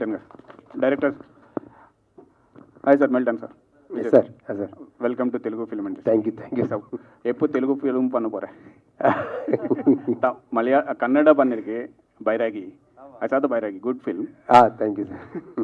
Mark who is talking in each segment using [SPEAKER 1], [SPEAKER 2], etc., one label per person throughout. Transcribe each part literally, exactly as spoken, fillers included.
[SPEAKER 1] Melton గారు director. Hi sir, Melton sir.
[SPEAKER 2] Sir sir
[SPEAKER 1] welcome to Telugu film industry.
[SPEAKER 2] Thank you thank you sir.
[SPEAKER 1] எப்போ Telugu film பண்ண போகிறேன்? மலையா கன்னட பண்ணிருக்கு bairagi. I saw the Bairagi, good film.
[SPEAKER 2] Ah, thank you, sir.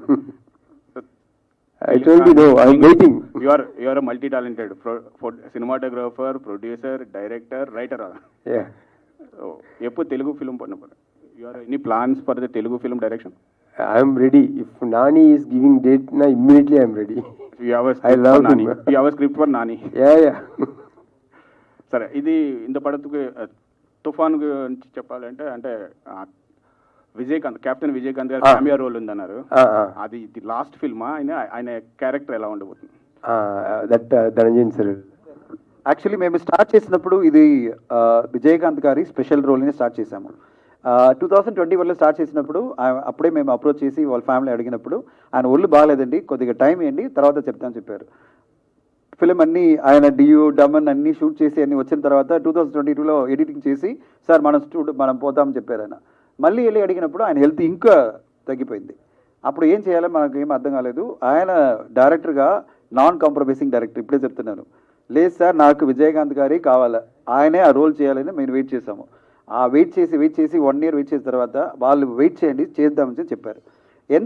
[SPEAKER 2] I told you, no, I'm waiting.
[SPEAKER 1] You are you are a multi-talented pro, pro, cinematographer, producer, director, writer.
[SPEAKER 2] Yeah.
[SPEAKER 1] Oh, எப்போ Telugu film பண்ண போகிறேன்? You are any plans for the Telugu film direction?
[SPEAKER 2] I'm ready. If Nani is giving date, na immediately I'm ready.
[SPEAKER 1] You have a script
[SPEAKER 2] I love
[SPEAKER 1] for Nani.
[SPEAKER 2] him.
[SPEAKER 1] You have a script for Nani.
[SPEAKER 2] Yeah, yeah.
[SPEAKER 1] సరే, ఇది ఇంత పడతుకు తుఫాన్ గురించి చెప్పాలంటే అంటే Vijayakanth, captain Vijayakanth గారు cameo role ఉందన్నారు. అది ఇది లాస్ట్ ఫిల్మా? ఆయన ఆయన క్యారెక్టర్ ఎలా ఉండబోతుంది?
[SPEAKER 2] That Dhananjayan sir.
[SPEAKER 3] యాక్చువల్లీ మేము స్టార్ట్ చేసినప్పుడు ఇది విజయకాంత్ గారి స్పెషల్ రోల్ని స్టార్ట్ చేశాము. టూ థౌసండ్ ట్వంటీ వన్లో స్టార్ట్ చేసినప్పుడు అప్పుడే మేము అప్రోచ్ చేసి వాళ్ళ ఫ్యామిలీ అడిగినప్పుడు ఆయన ఒళ్ళు బాగాలేదండి, కొద్దిగా టైం ఇవ్వండి, తర్వాత చెప్తామని చెప్పారు. ఫిలిం అన్ని ఆయన డియూ డమన్ అన్ని షూట్ చేసి అన్ని వచ్చిన తర్వాత టూ థౌసండ్ ట్వంటీ టూలో ఎడిటింగ్ చేసి సార్ మనం స్టూడ్ మనం పోతామని చెప్పారు ఆయన. మళ్ళీ వెళ్ళి అడిగినప్పుడు ఆయన హెల్త్ ఇంకా తగ్గిపోయింది. అప్పుడు ఏం చేయాలో మనకు ఏం అర్థం కాలేదు. ఆయన డైరెక్టర్గా నాన్ కాంప్రమైజింగ్ డైరెక్టర్, ఇప్పుడే చెప్తున్నాను. లేదు సార్, నాకు విజయకాంత్ గారి కావాలా, ఆయనే ఆ రోల్ చేయాలని మేము వెయిట్ చేసాము. ఆ వెయిట్ చేసి వెయిట్ చేసి వన్ ఇయర్ వెయిట్ చేసిన తర్వాత వాళ్ళు వెయిట్ చేయండి చేద్దామని చెప్పారు.